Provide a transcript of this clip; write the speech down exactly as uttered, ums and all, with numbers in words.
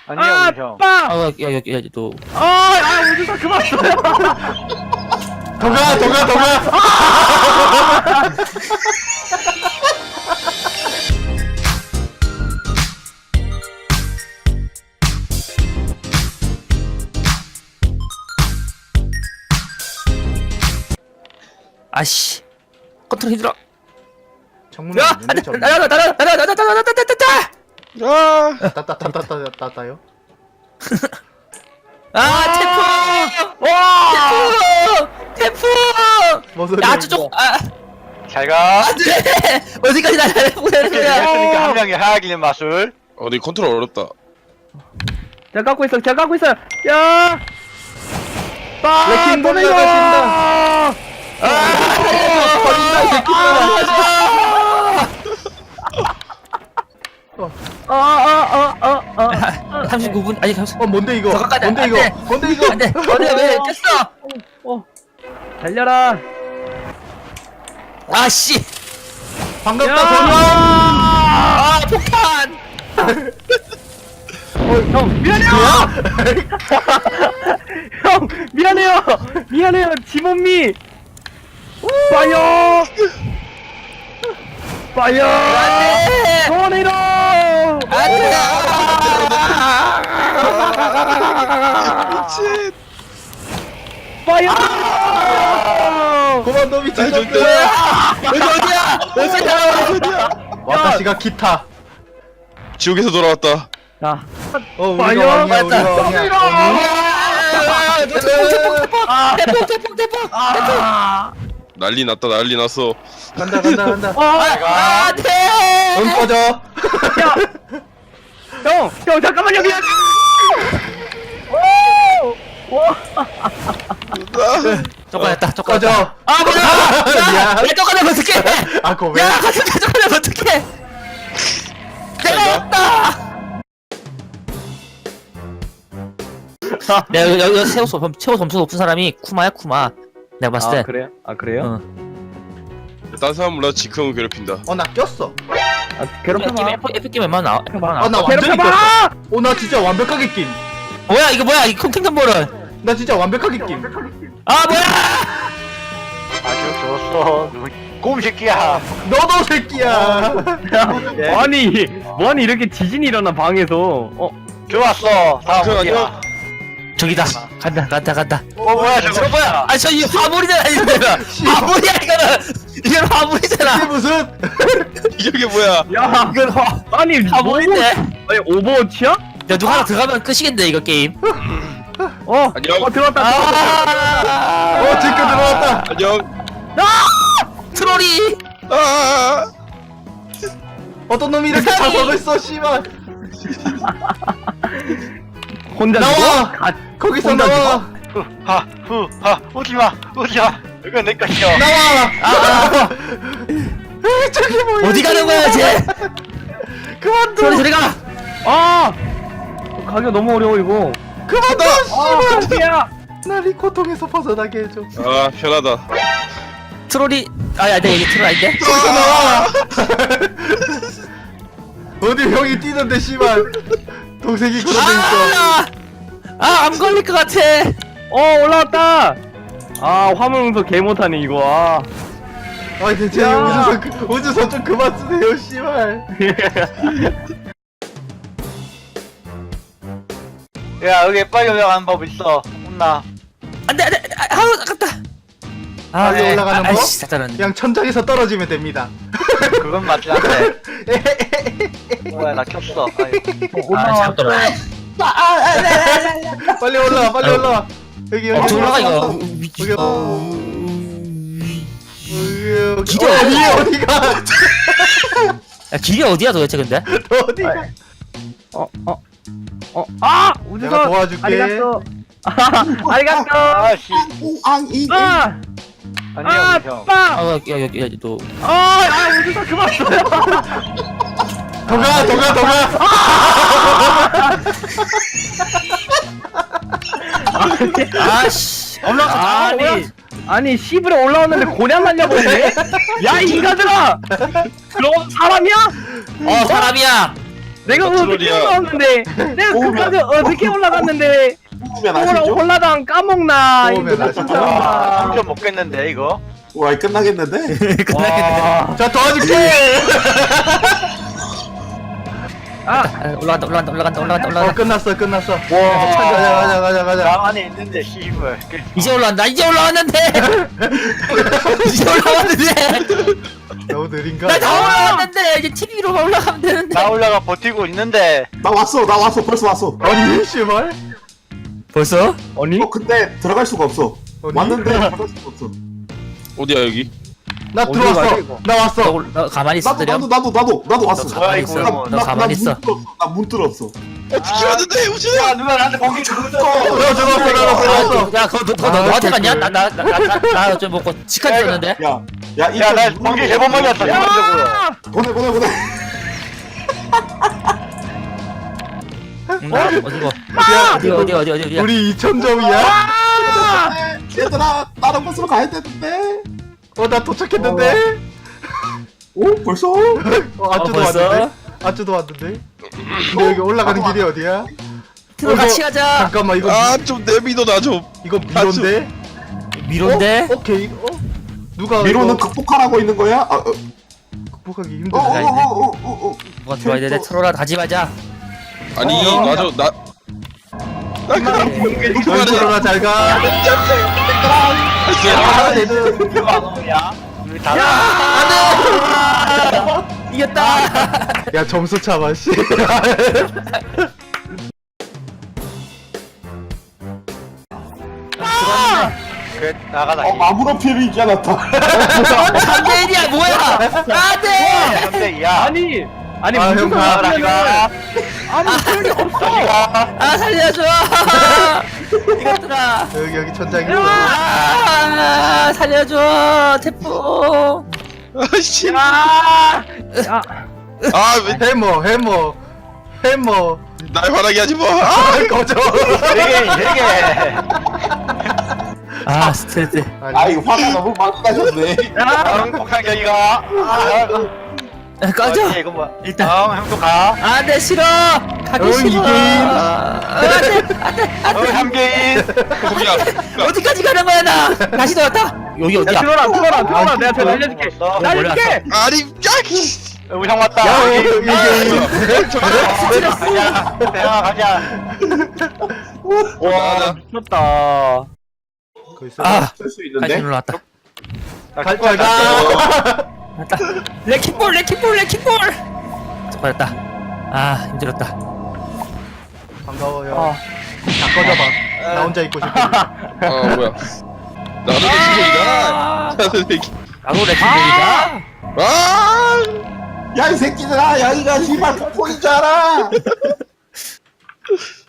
아니요, 아, 우리 형. 빵! 아, 야, 야, 야, 너. 아, 아, 우주사 그만 써요. 더가 더가 더가. 아씨. 컨트롤 힘들어. 정문에 야, 있는데 정문. 나나 나나 나나 나나 나나 나나 나나 나나. 따따따따따따따요. 아, 태풍! 와! 태풍! 태풍! 뭔 소리야? 야, 저쪽. 아, 잘 가. 안 돼. 어디까지 날아야 보내는 이렇게 거야? 했으니까 한 명이 하악이는 마술. 어, 네 컨트롤 어렵다. 잘 갖고 있어, 잘 갖고 있어. 야! 빵! 레킹 보내줘! 돌려가신다. 아! 버린다 이 새끼들아. 아, 아, 아, 아, 아. 삼십구 분 아니 삼십. 어 뭔데 이거? 더 가까이 뭔데 안 이거? 돼. 뭔데 이거? 안돼. 어디 왜 깼어? 어. 달려라. 아씨. 반갑다 야! 소년. 아, 폭탄. 어, 형, 미안해요! 형, 미안해요! 미안해요, 지몬미! 파이어! 파이어! 안돼. 소원이로! 안돼. 미친. 파이어! 고만 너 미친 나 놈들. 여기 어디야? 어디야? 와타시가 기타. 지옥에서 돌아왔다. 자, 어 우리가 파이어! 왕이야 우리가 왕이야. 어, 태풍 태풍 태풍 태풍. 아! 난리 났다, 난리 났어. 간다 간다 간다. 아! 안돼. 응 꺼져. 야! 형! 형, 잠깐만요, 미안! 오! 와! 쫓겨났다. 꺼져. 쫓겨났다. 아 뭐야? 미안. 왜 쫓겨나면 어떡해? 아 그거 왜? 야, 같은 데 쫓겨나면 어떡해? 내가 왔다. 내가 여기, 여기 최고 점수 최고 점수 높은 사람이 쿠마야 쿠마. 내가 봤을 때. 아, 그래요? 아, 그래요? 어. 딴 사람 몰라 지크형을 괴롭힌다. 어 나 꼈어. 아, 괴롭혀봐. 에프 에프 게임 웬만하면 나와. 에프 나와. 아 나 완전히 괴롭혀봐! 꼈어. 어나 진짜 완벽하게 낀. 뭐야 이거 뭐야 이 콩킹덤 볼은? 나 진짜 완벽하게 낀. 아 뭐야? 아주 좋았어. 누구- 곰 새끼야. 너도 새끼야. 아니, 뭐하니 이렇게 지진이 일어나, 방에서. 어, 좋았어. 다음 그 어디야? 아니야? 저기다. 간다 간다 간다. 어 뭐야 저거? 저거 뭐야? 아저 이 화물이잖아 이거. 화물이야 이거는. 이건 이게 화물이잖아. 무슨? 이게 뭐야? 야! 이건 화 아니, 화물인데. 오버- 아니, 오버워치야? 야 누가 하나 들어가면 끝이겠네 이거 게임. 어, 안녕. 어, 들어왔다. 아. 어 지금 들어왔다. 안녕. 트롤이. 아. 어떤 놈이 이렇게 자석을 써 씨발. 혼자 나와! 죽어? 가, 거기서 혼자 나와. 후하 후하 오지마 오지마. 이건 내 것이야. 나와. 아, 저기 뭐야? 어디 가는 거야 쟤? 그만둬. 트롤이 저리 가. 아! 가기가 너무 어려워, 이거. 그만둬. 아, 씨발. 야! 날 이 고통에서 벗어나게 해줘. 아, 편하다. 트롤이. 아야 내 얘기 트롤 아닌데? 거기서 나와. 어디 형이 뛰는데 씨발. 동생이 그러고 있어. 아! 아, 안 걸릴 것 같아. 어, 올라왔다! 아, 화물 운서 개 못하네, 이거. 아. 아 대체 야. 우주선 그- 우주선 좀 그만 쓰세요 씨발. 야 여기 빨리 올라가는 법 있어. 혼나. 안돼 안돼. 아, 아우 아깝다. 아, 빨리 올라가는 법? 아이씨, 잘하네. 그냥 천장에서 떨어지면 됩니다. 그건 맞지 않네. 뭐야 나 켰어. 아이고. 아, 잘 떨어. 빨리 올라와 빨리 아유. 올라와. 여기 여기. 어, 올라가 이거. 여기. 여기. 기대 어디 어디야? 어디가? 야, 길이 어디야 도대체 근데? 너 어디가? 어, 어, 어, 아! 우주선! 내가 도와줄게. 아리가또! 아, 아리가또! 아씨. 아! 안녕 아, 우리 형. 빵! 아, 야, 야, 야, 너. 아, 아, 우주선 그만 써요! 더가 더가 더가. 아씨. 올라가. 아니, 아니, 시브에 올라왔는데 고냥 날려버리네? 야, 이 인간들아! 그럼 사람이야? 어, 사람이야. 내가 나 어떻게 트롤이야. 올라왔는데 내가 오면- 그까지 어떻게 올라갔는데 뽑으면 오라 아시죠? 홀라당 까먹나 뽑으면 이거 아시죠? 진짜 아, 삼점 먹겠는데 이거. 와 끝나겠는데? 와. 자 도와줄게. 아 아, 올라간다 올라간다 올라간다 올라간다 어 올라간다 끝났어 끝났어. 와. 가자 가자 가자 가자. 나 안에 있는데 씨발. 이제 올라간다 이제 올라왔는데 이제 올라왔는데 너무 느린가? 나 다 올라왔는데 이제 티비로만 올라가면 되는데 나 올라가 버티고 있는데. 나 왔어 나 왔어 벌써 왔어. 아니 씨발. 벌써? 아니 어 근데 들어갈 수가 없어. 아니? 왔는데 들어갈 수가 없어. 어디야 여기? 나 어디로 들어왔어. 가야 돼, 이거? 나 너, 왔어. 올- 너 가만히 있어 나도 드렴 나도 나도 나도 나도 왔어. 너 가만히 이거 있어 이거 너 가만히 있어 나문 뚫었어. 어떻게 왔는데 우진아? 야 누가 나한테 번개 주고 있어. 나 들어왔어 나 들어왔어. 야 그거 너, 그거 너 아, 너한테 갔냐? 개꿀. 나나나나나좀 먹고 직한 줬는데 야야 이 야 나 번개 세 번 맞았어. 인간적으로. 보내 보내 보내. 응, 어디고 어디 어디 어디 어디 어디야 우리 이천 점이야? 얘들아 다른 곳으로 가야 되는데. 어 나 도착했는데. 오 벌써? 어 아쭈도 벌써? 왔는데. 아쭈도 왔는데. 근데 여기 올라가는 길이 어디야? 들어 같이 가자 잠깐만 이거 아 좀 내비도 나 좀. 이거 미로인데? 미로인데 어? 오케이. 어? 누가 미로는 이거 극복하라고 있는 거야? 아, 어, 극복하기 어, 힘들어. 어, 어, 어, 어, 어. 누가 들어와야 되는데 트롤아 다지 마자 아니 어. 나저 나. 나 그냥 얼굴로나 잘 가. 아, 얘들 누가 안 오냐? 우리 다. 이겼다 야 점수 차봐 씨. 그 나가다. 어, 아무런 피해를 입지 않았다. 삼 대 일이야 뭐야 안돼 삼대이야. 아니 아니 아, 무슨 형 가. 상관이야 아무 소용이 없어 아 살려줘 이것들아 여기 여기 천장이. 아 살려줘 태풍 아씨. 야 아왜날 해머 해머 해머. 화나게 하지 마. 아 꺼져. 되게 되게. 아 스트레스 아 이거 화가 너무 많이 나셨네. 다음 곡상경이가. 아, 야, 꺼져 이거 뭐야? 일단. 다음 형도 가. 안돼 싫어 가기 응, 싫어 이게. 안돼 어 삼개인. 거기야. 어디까지 가는 거야 나 다시 돌아왔다 여기 야 어디야 들어라 들어라 들어라 내가 저 알려줄게 어, 알려줄게 아니 야. 우리 형 왔다. 야 여기. 이게 아, 가자. 대화 가자. 와. 미쳤다 거기 있어. 아 쓸수 다시 있는데. 올라왔다 갈 거야. 왔다 레킹볼 레킹볼 레킹볼 버렸다 아 힘들었다 반가워요. 어. 다 꺼져봐. 나 혼자 있고 싶어. 아 뭐야. 나도 레킹볼이다. 나도 레킹. 나도 레킹볼이다 아. 야 이 새끼들아 여기가 씨발 폭포인 줄 알아.